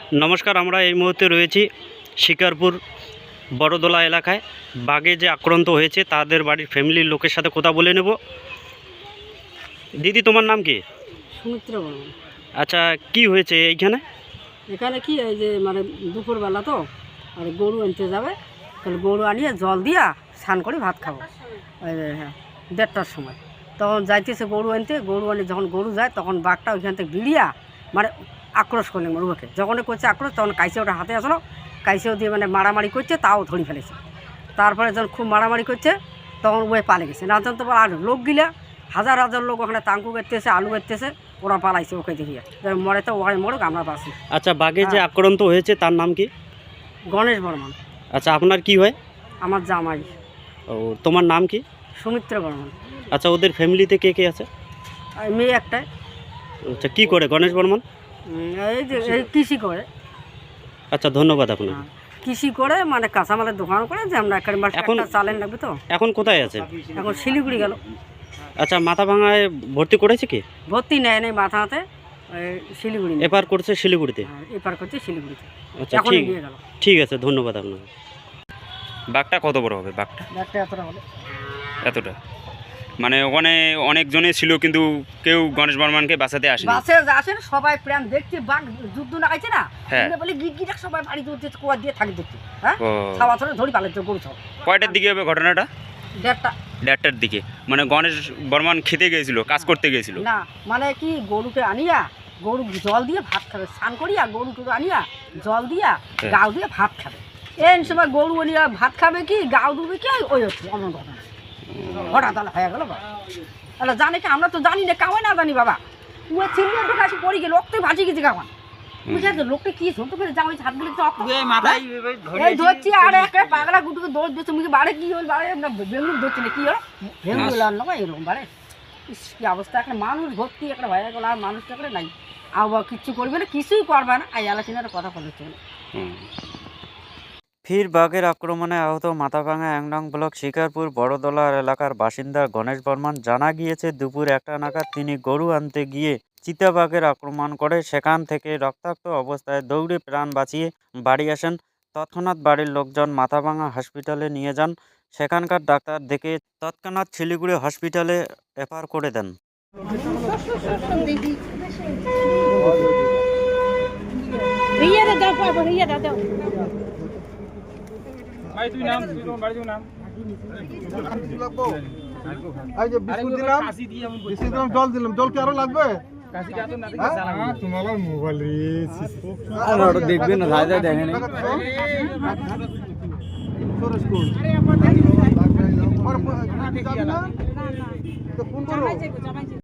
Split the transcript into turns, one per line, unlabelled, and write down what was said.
নমস্কার, আমরা এই মুহূর্তে রয়েছি শিকারপুর বড়দোলা এলাকায়। বাঘে যে আক্রান্ত হয়েছে তাদের বাড়ির ফ্যামিলির লোকের সাথে কথা বলে নেব। দিদি, তোমার নাম কি?
সুমিত্র বর্মন।
আচ্ছা, কি হয়েছে এইখানে?
এখানে কি এই যে মানে দুপুরবেলা তো আর গরু আনতে যাবে, তাহলে গরু আনিয়ে জল দিয়া স্নান করে ভাত খাবো। হ্যাঁ, 1:30টার সময় তখন যাইতেছে গরু আনতে। গরু আনি যখন গরু যায় তখন বাঘটা ওইখান থেকে বিড়িয়া মানে আক্রোশ করলেন ওকে। যখনই করছে আক্রোশ তখন কাইসে ওটা হাতে আসলো, কাইসেও দিয়ে মানে মারামারি করছে, তাও ধরে ফেলেছে। তারপরে যখন খুব মারামারি করছে তখন ওই পালে গেছে। না জানতে পারে আর লোক গিলা হাজার হাজার লোক ওখানে তাঙ্কু করতেছে, আলু করতেছে, ওরা পালাইছে ওকে দেখিয়ে। মরে তো ওখানে মরুক, আমরা বাসি।
আচ্ছা, বাঘে যে আক্রান্ত হয়েছে তার নাম কি?
গণেশ বর্মন।
আচ্ছা, আপনার কি হয়?
আমার জামাই।
ও, তোমার নাম কি?
সুমিত্র বর্মন।
আচ্ছা, ওদের ফ্যামিলিতে কে কে আছে?
আর মেয়ে একটাই।
আচ্ছা, কি করে গণেশ বর্মন?
এই যে এই কৃষি করে।
আচ্ছা, ধন্যবাদ আপনাকে।
কৃষি করে মানে কাঁচামালের দোকান করে, যে আমরা এখন চালেন লাগবে তো।
এখন কোথায় আছে?
এখন শিলিগুড়ি গেল।
আচ্ছা, মাথা ভাঙায় ভর্তি করেছে কি?
ভর্তি নেয় নেই মাথাতে, শিলিগুড়ি
এপার করছে শিলিগুড়িতে।
এপার করছে শিলিগুড়িতে।
আচ্ছা,
এখন
ঠিক
নিয়ে গেল।
ঠিক আছে, ধন্যবাদ আপনাকে। বাঘটা কত বড় হবে? বাঘটা
এতটা হলে
এতটা, মানে ওখানে অনেকজনে ছিল কিন্তু কেউ গণেশ বর্মনকে বাঁচাতে আসেনি।
বাসে আসেন সবাই প্রেম দেখতে, বাঘ যুদ্ধ না খাইছে না, বলে গিট গিট সবাই বাড়ি ধরতে কুয়া দিয়ে থাকি দেখতে। হ্যাঁ, খাওয়া ধরে ধরি পালাচ্ছে গরু সব।
কয়টার দিকে হবে ঘটনাটা? 1:30টার দিকে। মানে গণেশ বর্মন খেতে গিয়েছিল, কাজ করতে গিয়েছিল
না, মানে কি গরুকে আনিয়া গরু জল দিয়ে ভাত খাবে, স্নান করিয়া গরু টরু আনিয়া জল দিয়া গাও দিয়ে ভাত খাবে। এই সময় গরু আনিয়া ভাত খাবে কি গাও দুবে কি ওই হচ্ছে অন্য ঘটনা। হঠাৎ তাহলে হয়ে গেল। তাহলে জানে কি? আমরা তো জানি না, কামাই না জানি বাবা। ও ছিল একটু কাছে পড়ে গেল, রক্তে ভাজি গেছে কামান। লোকটা কি শুনতে পেরে যাও হাতগুলো ধরছি আর একটা পাগলা গুটুকে দৌড় দিচ্ছে মুখে বাড়ে। কি হল বাড়ে? বেঙ্গুল ধরছি না, কি হলো বেঙ্গুল আর নয় এরকম বাড়ে। কি অবস্থা! একটা মানুষ ভর্তি একটা ভয় গেল, আর মানুষটা করে নাই আবার কিচ্ছু করবে না, কিছুই করবে না। এই আলোচনার কথা বলেছে।
ফির বাঘের আক্রমণে আহত মাথাভাঙা 1 নং ব্লক শিকারপুর বড়দোলা এলাকার বাসিন্দা গণেশ বর্মন। জানা গিয়েছে দুপুর 1টা নাগাদ তিনি গরু আনতে গিয়ে চিতাবাঘের আক্রমণ করে। সেখান থেকে রক্তাক্ত অবস্থায় দৌড়ে প্রাণ বাঁচিয়ে বাড়ি আসেন। তৎক্ষণাৎ বাড়ির লোকজন মাথাভাঙা হসপিটালে নিয়ে যান। সেখানকার ডাক্তার দেখে তৎক্ষণাৎ শিলিগুড়ি হসপিটালে রেফার করে দেন।
জল দিলাম, জল কি আরো লাগবে? দেখবে না, দেখেন